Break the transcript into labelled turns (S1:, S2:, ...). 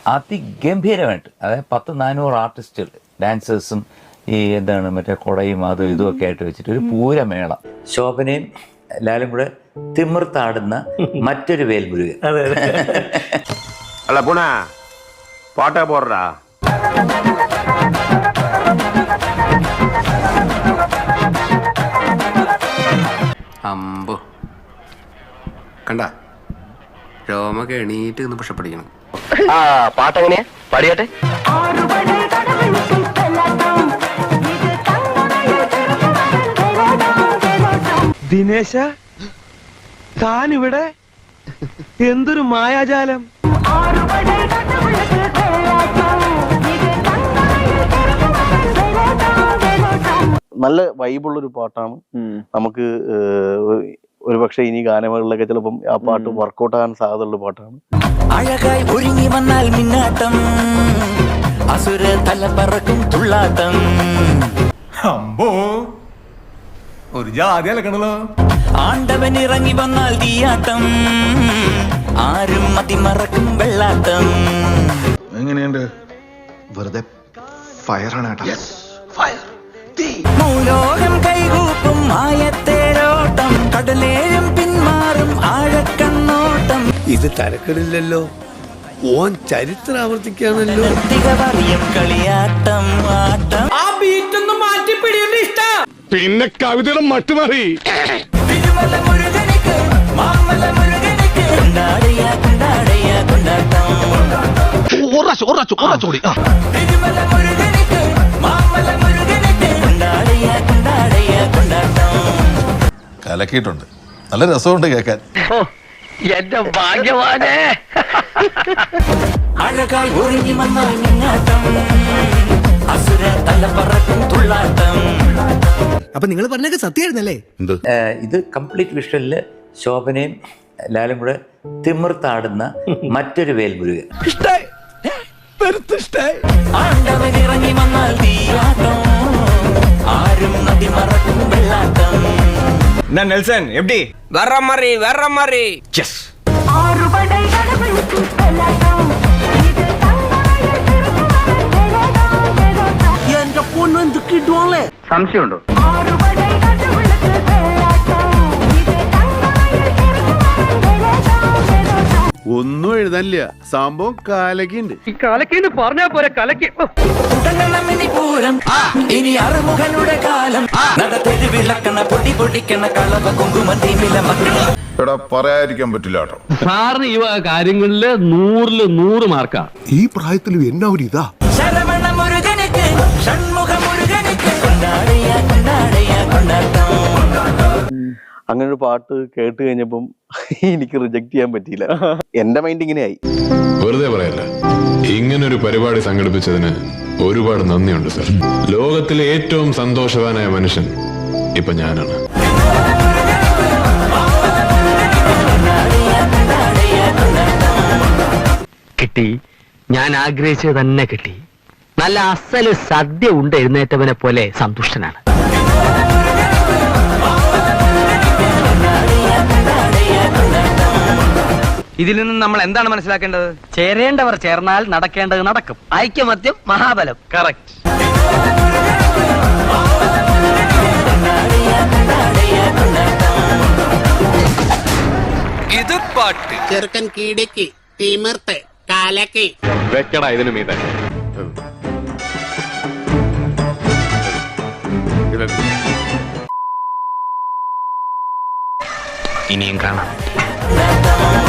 S1: അതിഗംഭീരമായിട്ട്, അതായത് 100-400 ആർട്ടിസ്റ്റുകൾ, ഡാൻസേഴ്സും ഈ എന്താണ് മറ്റേ കുടയും അതും ഇതുമൊക്കെ ആയിട്ട് വെച്ചിട്ട് ഒരു പൂരമേളം. ശോഭനയും ലാലും കൂടെ തിമിർത്താടുന്ന മറ്റൊരു വേൽമുരുകൻ.
S2: അല്ല പുണ പാട്ടാ പോറാ
S3: അമ്പോ കണ്ട രോമൊക്കെ എണീറ്റ് നിന്ന് പക്ഷെ പഠിക്കണം.
S4: ആ പാട്ടെങ്ങനെയാ പാടിയാട്ടെ.
S5: ദിനേശ താനിവിടെ എന്തൊരു മായാജാലം.
S6: നല്ല വൈബുള്ളൊരു പാട്ടാണ്. നമുക്ക് ഒരുപക്ഷെ ഇനി ഗാനമേളകളിലൊക്കെ ചിലപ്പം ആ പാട്ട് വർക്കൗട്ട് ആകാൻ സാധ്യതയുള്ള പാട്ടാണ്.
S7: അഴകായി ഒരുങ്ങി വന്നാൽ മിന്നാട്ടം, അസുര തല പറക്കും തുള്ളാട്ടം.
S8: അമ്പോ ഒരു ജാതി അലക്കണല്ലോ.
S7: ആണ്ടവൻ ഇറങ്ങി വന്നാൽ തീയാട്ടം, ആരും മതിമറക്കും വെള്ളാട്ടം.
S8: എങ്ങനെയുണ്ട്? വെറുതെ ഫയറാണ് കേട്ടോ.
S7: മൂലോകം കൈകൂപ്പും മായത്തേരോട്ടം, കടലേഴും പിന്മാറും ആഴക്കണ്ണോട്ടം.
S9: ഇത് തരക്കടില്ലല്ലോ, ഓൻ ചരിത്രം ആവർത്തിക്കാണല്ലോ.
S7: പറയും കളിയാട്ടം ആട്ടം. ആ ബീറ്റൊന്നും മാറ്റി പിടിയുടെ ഇഷ്ട.
S8: പിന്നെ കവിതയുടെ മട്ടുമാറി.
S7: തിരുമല മുരുകനിക്ക് മാമല മുരുകനിക്ക് കൊണ്ടാടിയ കൊണ്ടാടിയ കൊണ്ടാട്ടം. തിരുമല മുരുകനിക്ക് മാമല മുരുകനിക്ക് കൊണ്ടാടിയ കൊണ്ടാടിയ കൊണ്ടാട്ടം.
S8: കലക്കിയിട്ടുണ്ട്, നല്ല രസമുണ്ട് കേൾക്കാൻ.
S4: എന്റെ ഭാഗ്യവാനേ.
S7: അഴകായി ഒരുങ്ങി വന്നാൽ മിന്നാട്ടം, അസുര തല പറക്കും തുള്ളാട്ടം.
S9: അപ്പൊ നിങ്ങൾ പറഞ്ഞൊക്കെ സത്യമായിരുന്നല്ലേ?
S1: ഇത് കംപ്ലീറ്റ് വിഷ്വലില് ശോഭനയും ലാലും കൂടെ തിമിർത്താടുന്ന മറ്റൊരു വേൽമുരുകൻ.
S7: ആണ്ടവൻ ഇറങ്ങി വന്നാൽ തീയാട്ടം, ആരും നദി മറക്കും വെള്ളാട്ടം.
S5: നെൽസൺ എപ്പി
S3: വേറെ മാറി.
S5: യെസ്.
S4: എന്റെ പൊണ്ണു എന്ത് കിട്ടുവല്ലേ?
S6: സംശയമുണ്ടോ?
S2: ഒന്നും എഴുതാനില്ല, സംഭവം കാലക്കുണ്ട്.
S4: ഈ കാലക്കേന്ന് പറഞ്ഞാ പോരെ കലക്കി.
S7: പൂരം ഇനി അറുമുഖനുടെ കാലം, നടത്തെരു വിളക്കണ പൊടി പൊടിക്കണ കളവ കുങ്കുമത്തിമില മക്കൾ.
S8: എടാ പറയാതിരിക്കാൻ പറ്റില്ല കേട്ടോ.
S5: സാറിന് ഈ കാര്യങ്ങളില് 100-ല് 100 മാർക്കാ.
S9: ഈ പ്രായത്തിലും എന്നാ ഒരു ഇതാ.
S7: ശരവണ മുരുകനുക്ക് ഷൺമുഖ മുരുകനുക്ക് കൊണ്ടാടിയ കൊണ്ടാടിയ കൊണ്ടാട്ടം.
S6: അങ്ങനെ ഒരു പാട്ട് കേട്ട് കഴിഞ്ഞപ്പം എനിക്ക് റിജക്ട് ചെയ്യാൻ പറ്റിയില്ല. എന്റെ മൈൻഡ് ഇങ്ങനെയായി.
S10: വെറുതെ പറയല്ല, ഇങ്ങനൊരു പരിപാടി സംഘടിപ്പിച്ചതിന് ഒരുപാട് നന്ദിയുണ്ട് സർ. ലോകത്തിലെ ഏറ്റവും സന്തോഷവാനായ മനുഷ്യൻ ഇപ്പൊ ഞാനാണ്.
S4: കിട്ടി, ഞാൻ ആഗ്രഹിച്ചത് തന്നെ കിട്ടി. നല്ല അസല് സദ്യ ഉണ്ട് എഴുന്നേറ്റവനെ പോലെ സന്തുഷ്ടനാണ്.
S3: ഇതിൽ നിന്ന് നമ്മൾ എന്താണ് മനസ്സിലാക്കേണ്ടത്?
S4: ചേരേണ്ടവർ ചേർന്നാൽ നടക്കേണ്ടത് നടക്കും. ഐക്യമത്യം മഹാബലം. കറക്റ്റ്.
S3: ഇത് പാട്ട്
S9: ചെറുക്കൻ കീടക്കി തിമിർത്ത് കാലക്കി
S2: വെക്കടാ ഇതിന് മീതെ.
S4: ഇനിയും കാണാം.